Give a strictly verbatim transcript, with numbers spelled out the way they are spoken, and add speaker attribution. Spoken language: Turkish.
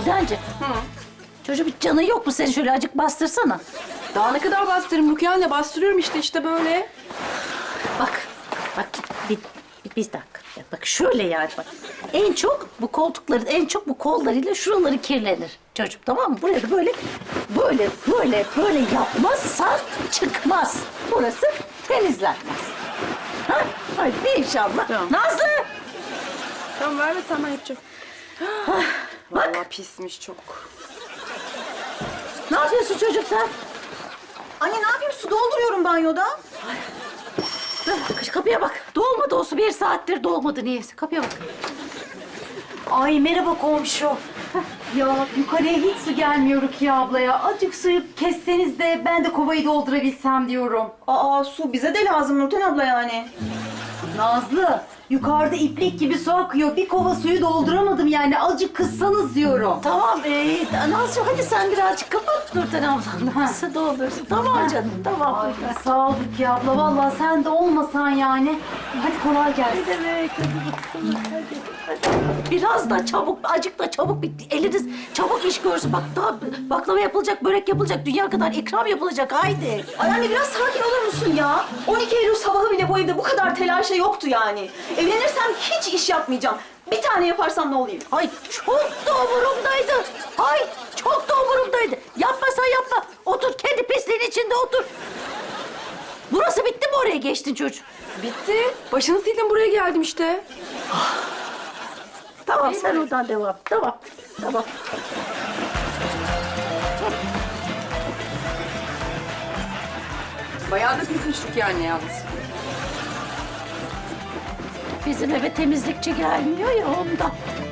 Speaker 1: Güldencik.
Speaker 2: Hı.
Speaker 1: Çocuğum hiç canın yok mu senin? Şöyle acık bastırsana.
Speaker 2: Daha ne kadar bastırırım Rukiye anne? Bastırıyorum işte işte böyle.
Speaker 1: Bak, bak bir, bir, bir dakika. Ya bak şöyle yani bak. En çok bu koltukların, en çok bu kollarıyla şuraları kirlenir çocuğum, tamam mı? Buraya da böyle, böyle, böyle, böyle yapmazsan çıkmaz. Burası temizlenmez. Ha? Hadi inşallah.
Speaker 2: Tamam.
Speaker 1: Nazlı!
Speaker 2: Tamam ver ve sen ben yapacağım.
Speaker 1: Bak.
Speaker 2: Vallahi pismiş çok.
Speaker 1: Ne yapıyorsun çocuk sen?
Speaker 3: Anne ne yapayım? Su dolduruyorum banyoda.
Speaker 1: Dur, kapıya bak. Dolmadı o su. Bir saattir dolmadı niyeyse. Kapıya bak.
Speaker 4: Ay merhaba komşu. Ya yukarıya hiç su gelmiyor Rukiye ablaya. Azıcık suyu kesseniz de ben de kovayı doldurabilsem diyorum.
Speaker 3: Aa su bize de lazım Nurten abla yani.
Speaker 4: Nazlı, yukarıda iplik gibi su akıyor. Bir kova suyu dolduramadım yani. Azıcık kıssanız diyorum.
Speaker 1: Tamam. Ee, Nazcığım hadi sen birazcık kapat Nurten ablanla. Nasıl doldursun? Tamam canım. Tamam.
Speaker 4: Ay sağ ol Rukiye abla. Vallahi sen de olmasan yani. Hadi kolay gelsin.
Speaker 1: Ne demek? Hadi bakalım. Hadi, hadi. Biraz da çabuk, acık da çabuk bitti. Eliniz çabuk iş görsün. Bak daha baklava yapılacak, börek yapılacak, dünya kadar ikram yapılacak. Haydi.
Speaker 3: Ay anne biraz sakin olur musun ya? on iki Eylül sabahı bile bu evde bu kadar telaşa yoktu yani. Evlenirsem hiç iş yapmayacağım. Bir tane yaparsam ne olayım?
Speaker 1: Ay çok da umurumdaydı. Ay çok da umurumdaydı. Yapmasan yapma. Otur kendi pisliğin içinde otur. Burası bitti mi, oraya geçtin çocuk?
Speaker 2: Bitti. Başını sildim buraya geldim işte.
Speaker 1: Tamam sen oradan devam. Tamam. Tamam.
Speaker 2: Bayağı da pismiş Rukiye anne yalnız.
Speaker 1: Bizim eve temizlikçi gelmiyor ya ondan.